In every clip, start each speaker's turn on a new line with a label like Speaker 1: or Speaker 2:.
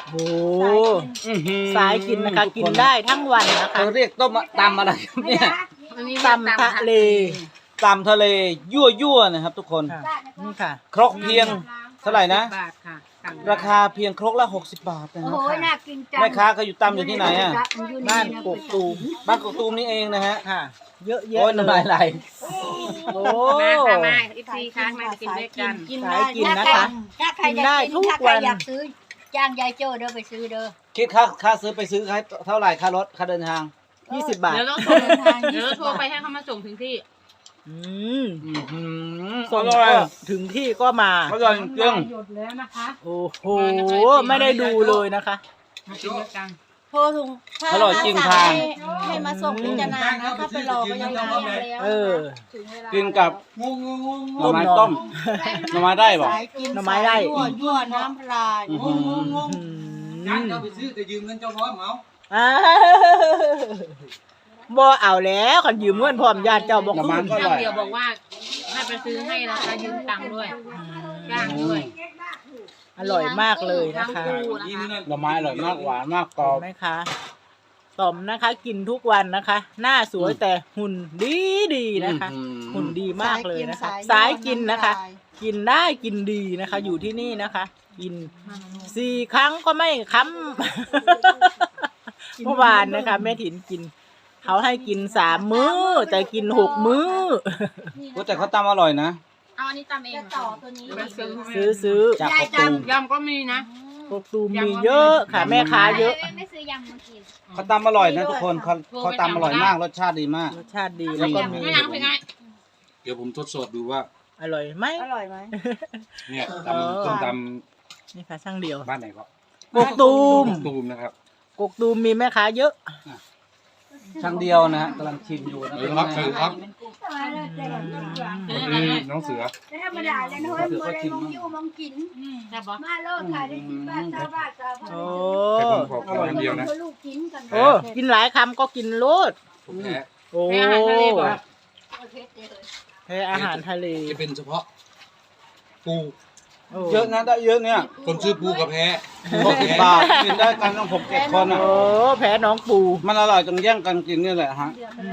Speaker 1: โอ้สายกินนะคะกินได้ทั้งวันนะคะ
Speaker 2: เขาเรียกต้มตำอะไรครับเนี่ย
Speaker 1: ตำทะเล
Speaker 2: ตำทะเลยั่วๆนะครับ ทุกคน
Speaker 1: ค่ะนี่ค่ะ
Speaker 2: ครกเพียงเท่าไหร่นะ
Speaker 3: บาทค่ะ
Speaker 2: ราคาเพียงครกละ60 บาทนะ
Speaker 4: โอ้
Speaker 2: ค
Speaker 4: โห
Speaker 2: รับ
Speaker 4: น่ากินจัง
Speaker 2: แม่ค้าก็อยู่ตำอยู่ที่ไหนอ่ะ
Speaker 1: บ้านกกตูม
Speaker 2: บ้านกกตูมนี่เองนะฮะ
Speaker 1: ค่ะ เยอะแยะ
Speaker 2: โอ้ยน้ำลายไหล
Speaker 1: โอ้
Speaker 3: มาค่ะมาอีกทีค้างมากินด้วยกัน
Speaker 1: สายกินนะคะ
Speaker 4: ถ้าใคร
Speaker 1: กินได้ทุก
Speaker 4: ถ้าใคร
Speaker 1: วัน
Speaker 4: อยากซื้อจ้างยายโจ้เด้อไปซื้อเด้อ
Speaker 2: คิดค่าซื้อไปซื้อเท่าไหร่ค่ารถค่าเดินทาง
Speaker 1: 20 บาท
Speaker 3: เดี๋ยวเราโทรเดี๋ยวเราโทรไปให้เขามาส่งถึงที่
Speaker 1: อืม
Speaker 2: ส่
Speaker 1: ส่
Speaker 2: ง
Speaker 1: ง
Speaker 2: อร่อย
Speaker 1: ก็ถึงที่ก็มา
Speaker 2: อร่อยจริง
Speaker 3: หยดแล้วนะคะ
Speaker 1: โอ้โห ไม่ได้ดูเลยนะคะ
Speaker 3: มากินด้วยกัน
Speaker 4: โทรถุงถ้า
Speaker 2: อร่อยจริงทาง
Speaker 4: ให้มาส่งพิจารณานะถ้าไปรอก็ยังนานแล้ว
Speaker 1: เออ
Speaker 2: กินกับหน่อไม้ต้มหน่อไม้ได้ป่ะ
Speaker 4: สายกิน
Speaker 1: หน่อไม้ไร่
Speaker 4: ยั่วน้ำลาย
Speaker 5: จ้างเจ้าไปซื้อแต่ยืมเงินเจ้าพร้อมเอา
Speaker 1: อ่าบ่เอาแล้วคันยืมเงินพร้อมญาติเจ้าบ่
Speaker 2: หน่อ
Speaker 1: คื
Speaker 2: ไม้
Speaker 1: น
Speaker 2: ก็อ
Speaker 3: เจ้า
Speaker 2: ร่อย
Speaker 3: เดียวบอกว่าให้ไปซื้อให้นะคะยืมตังค์ด้วยจ้างด้วย
Speaker 1: อร่อยมากเลยนะคะ
Speaker 2: หน่อไม้อร่อยมากหวานมากกรอ
Speaker 1: เห็
Speaker 2: บ
Speaker 1: นไหมคะต่อมนะคะ กินทุกวันนะคะ หน้าสวยแต่หุ่นดีนะคะ หุ่นดีมากเลยนะคะ สายกินนะคะ กินได้กินดีนะคะ อยู่ที่นี่นะคะ กิน4 ครั้งก็ไม่ค้ำ เมื่อวานนะคะแม่ถิ่นกิน เขาให้กิน3 มื้อ แต่กิน6 มื้อ
Speaker 2: ก็แต่เขาตำอร่อยนะ
Speaker 3: เอาอันนี้ตำเอง
Speaker 4: จะต่อตัวนี้
Speaker 3: ไปซื้อ
Speaker 1: ซื้อ
Speaker 2: จากกกตูม
Speaker 3: ยำก็มีนะ
Speaker 1: กกตูมมีเยอะค่ะ แม่ค้าเยอะ
Speaker 4: ไม่ซื้อยำมากิน
Speaker 2: เขาตำอร่อยนะทุกคนเขาตำอร่อยมากรสชาติดีมาก
Speaker 1: รสชาติดีแล้วก็มี
Speaker 3: ไม่ยังเป็นไง
Speaker 5: เดี๋ยวผมทดสอบดูว่า
Speaker 1: อร่อยไหม
Speaker 4: อร่อยไหม
Speaker 5: เนี่ยตำส้มต
Speaker 1: นี่ค่ะช่างเดียว
Speaker 5: ำบ้านไหนก็
Speaker 1: กกตูม
Speaker 5: ตูมนะครับ
Speaker 1: กกตูมมีแม่ค้าเยอะ
Speaker 2: ช่างเดียวนะฮะกำลังชิมอยู่นะ
Speaker 5: เออครับคือครับ
Speaker 3: อืม
Speaker 5: นี่น้องเสือ
Speaker 4: ธรรมดาเลยนะเฮ้ยบ่ได้มองอยู่มองกิน
Speaker 3: แซ่บปะ
Speaker 4: มาโลดค่ะได้กินบ้านชาวบ้านชาวบ้าน
Speaker 1: โอ้
Speaker 5: แต่ผมขอคนเดียวนะ
Speaker 4: ลูกกินกัน
Speaker 1: โอ้กินหลายคำก็กินโลด
Speaker 5: ผมแพ้
Speaker 1: โอ้
Speaker 3: ให้อาหารทะเลก่อน
Speaker 1: ให้อาหารทะเล
Speaker 5: จะเป็นเฉพาะปู
Speaker 1: โอ้
Speaker 2: เยอะนะได้เยอะเนี่ย
Speaker 5: คนชื่อปูกับแพ้
Speaker 2: 60 บาทกินได้กันต้อง6-7 คนอ่ะ
Speaker 1: โอ้แพ้น้องปู
Speaker 2: มันอร่อยจนแย่งกันกินนี่แหละฮะ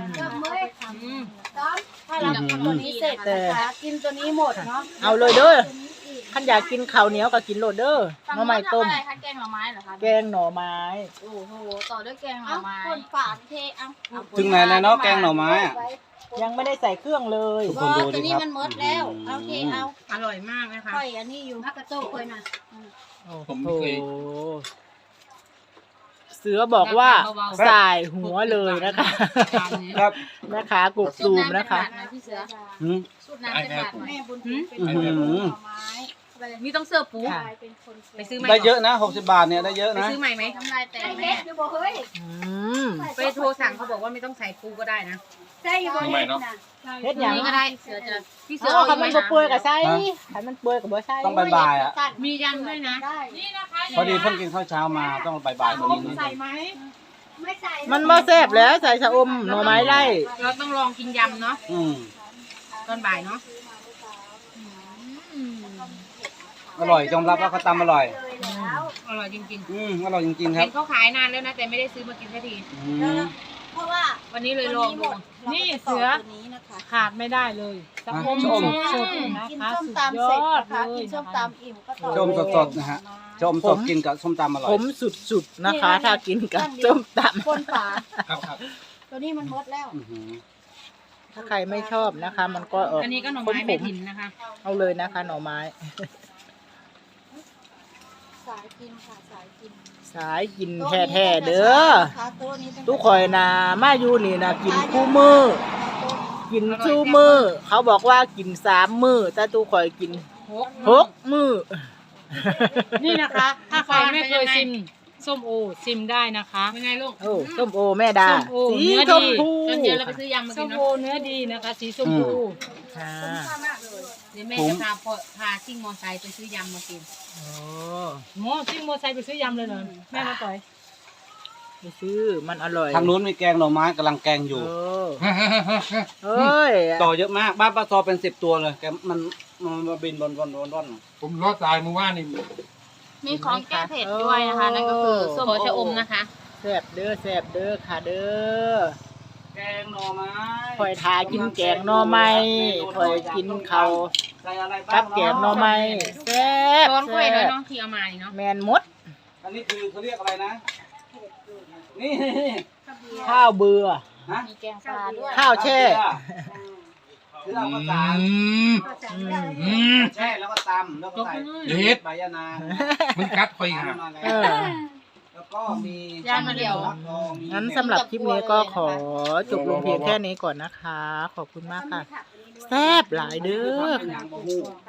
Speaker 4: ถ้าเราทำตัวนี้เสร็จนะคะกินตัวนี้หมดเนาะ
Speaker 1: เอาเลยเด้อขันอยากกินข้าวเหนียวก็กินโลดเด้อหน่อไม้ต้ม
Speaker 3: อะไรคะแกงหน่อไม้เหรอคะ
Speaker 1: แกงหน่อไม้
Speaker 3: โอ้โหต่อด้วยแกงหน่
Speaker 4: เอา
Speaker 3: อไม้
Speaker 4: คนฝาเทเอา
Speaker 2: ถึงไหนแล้วเนาะแกงหน่อไม้อ่ะ
Speaker 1: ยังไม่ได้ใส่เครื่องเลย
Speaker 2: ทุก
Speaker 4: บ
Speaker 2: ค
Speaker 4: อน
Speaker 2: ดู
Speaker 4: ตั
Speaker 2: ดิ
Speaker 4: วนี้
Speaker 2: ครับ
Speaker 4: มันหมดแล้วเอาเทเอา
Speaker 3: อร่อยมากนะคะ
Speaker 4: ค่อยอันนี้อยู่ฮักกระโต้ค่อยนะ
Speaker 1: โอ้โหเสือบอกว่าสายหัวเลยนะคะ
Speaker 2: ครับ
Speaker 1: แม่ค้ากกตูมนะคะ
Speaker 3: พี่เสือ
Speaker 2: หืม
Speaker 3: สูตรน้ำเป็นบาทไหม
Speaker 4: แม่บุญเป็น
Speaker 2: อื้อหือ
Speaker 4: หน่อไม้
Speaker 3: มีต้องเสิร์ฟปู
Speaker 1: ค่ะ
Speaker 4: เป็นคน
Speaker 3: ไปซื้อใหม่
Speaker 2: ได้เยอะนะ60 บาทเนี่ยได้เยอะ
Speaker 3: ไป
Speaker 2: นะ
Speaker 3: ซื้อใหม่ไหม
Speaker 4: น้ำลายแตกแม่อยู่บ่เฮ้ย
Speaker 1: อืม
Speaker 3: ไปโทรสั่งเขาบอกว่าไม่ต้องใส่ปูก็ได้นะ
Speaker 4: ใช่อยู่บ่เฮ็ดนะ
Speaker 1: เฮ็ดหยัง
Speaker 3: นี่ก็ได้เสือจะพี่เสือ
Speaker 1: เอา
Speaker 3: เอา
Speaker 1: คันมันบ่เปื่อยกับใส่คันมันเปื่อยกับบ่ใส่
Speaker 2: ต้องบ่ายๆอ่ะ
Speaker 3: มียำด้วยนะ
Speaker 4: ได้
Speaker 2: พอดีเพิ่งกินข้าวเช้ามาต้องบ่ายๆตรงนี้นิดนึง
Speaker 4: ไม่ใส่
Speaker 1: มันบ่แซ่บแล้วใส่ชะอมหน่อไม้ไร่
Speaker 3: เราต้องลองกินยำเนาะ
Speaker 2: อืม
Speaker 3: ตอนบ่ายเนาะ
Speaker 2: อร่อยยอมรับว่าเขาตำอร่อย
Speaker 3: อร่อยจริง
Speaker 2: อร่อยจริง
Speaker 3: ๆ
Speaker 2: ๆครั
Speaker 3: เห็
Speaker 2: บ
Speaker 3: นเขาขายนานแล้วนะแต่ไม่ได้ซื้อมากินสักที
Speaker 2: อืม
Speaker 4: เพราะว่า
Speaker 3: วันนี้เลยลองดู
Speaker 4: นี่เสือตัวนี้นะคะ
Speaker 6: ขาดไม่ได้เลย
Speaker 2: ชะอม
Speaker 6: สดๆนะ
Speaker 4: กิน
Speaker 6: คะ
Speaker 4: ส้ม
Speaker 6: สุด
Speaker 4: ตำ
Speaker 6: ย
Speaker 4: เสร็จ
Speaker 6: อด
Speaker 4: นะคะ
Speaker 6: เลย
Speaker 4: กินส้มตำอิ่มก็ต่อ
Speaker 2: ชมสดๆนะฮะชมสดกินกับส้มตำอร่อ
Speaker 1: ผ
Speaker 2: ย
Speaker 1: มสุดๆนะคะ ถ้ากินกับส้มต
Speaker 4: คนฝา
Speaker 5: ครับครับ
Speaker 4: ตัวนี้มันหมดแล้ว
Speaker 2: อื้อหือ
Speaker 1: ำถ้าใครไม่ชอบนะคะ มันก็ออก
Speaker 3: อันนี้ก็หน่อไม้
Speaker 1: ข
Speaker 3: แม่
Speaker 1: ม
Speaker 3: ถิ่นนะคะ
Speaker 1: ๆเอาเลยนะคะ หน่อไม้
Speaker 4: สายกินค่ะสายกิน
Speaker 1: สายกินแท้ๆเด้อ
Speaker 4: โต๊ะนี้
Speaker 1: ทุกข่อยนะมาอยู่นี่นะกินคู่มือ กินชูมือ เขาบอกว่ากิน3 มื้อแต่ทุกข่อยกิน6 มื้อ
Speaker 6: นี่นะคะ ถ้าใครไม่เคยชิมส้มโอชิมได้นะคะ
Speaker 3: เป็นไงลูก
Speaker 1: โอ้ส้มโอแม่ดา
Speaker 6: ส้มโอ
Speaker 1: สี
Speaker 6: เนื้อ
Speaker 1: ช
Speaker 6: ดี
Speaker 1: มพู
Speaker 3: ตอนเย็นเราไปซื้อยำมา
Speaker 6: ส้
Speaker 3: กิน
Speaker 6: ม
Speaker 3: เนาะ
Speaker 6: โอเนื้อดีนะคะ สีชมพู
Speaker 1: ค่ะ
Speaker 3: เดี๋ยวแม่จะพาซิ่งมอไซค์ไปซื้อยำมากิน
Speaker 1: โอ้
Speaker 6: โอ้ซิ่งโมอไซค์ไปซื้อยำเลยเหรอแม่มาต่อย
Speaker 1: ไปซื้อมันอร่อย
Speaker 2: ทางนู้นมีแกงหน่อไม้กำลังแกงอยู่
Speaker 1: โเอ้ย
Speaker 2: ต่อเยอะมากบ้านป้าซอเป็น10 ตัวเลยแกมันมาบินบน
Speaker 5: ผมรอดตายเมื่อวานนี่
Speaker 3: มีของแก้เผ็ดด้วยนะคะนั่นก็คือส้มโอชะอมนะคะ
Speaker 1: แซ่บเด้อค่ะเด้อ
Speaker 2: แกงหน่อไม้
Speaker 1: คอยทากินแกงหน่อไม้คอยกินข้าว
Speaker 2: ใส่อะไรบ้าง
Speaker 1: กับแกงหน่อไม้แซ่บ
Speaker 3: ช้อนกล้วยด้วย
Speaker 1: แซ่บ
Speaker 3: เนาะที่เอามานี่เนาะ
Speaker 1: แมนมด
Speaker 2: อันนี้คือเขาเรียกอะไรนะ นี่
Speaker 1: ข้าวเบื่อ
Speaker 2: ฮะ
Speaker 4: มีแกงปลาด้วย
Speaker 1: ข้าวแช่
Speaker 2: คือเอาข้าวสาร แช่แล้วก็ตำแล้วก็ใส่
Speaker 5: เฮ็ด
Speaker 2: ใบยะนาง
Speaker 5: มันกัดคอยหา
Speaker 2: มาแล้ว
Speaker 1: เออ
Speaker 2: แล้วก็มี
Speaker 3: ย่างมาเดียว
Speaker 1: งั้นสำหรับคลิปนี้ก็ขอจบลงเพียงแค่นี้ก่อนนะคะ ขอบคุณมากค่ะ แซ่บหลายเด้อ
Speaker 2: อย่างบะฮู้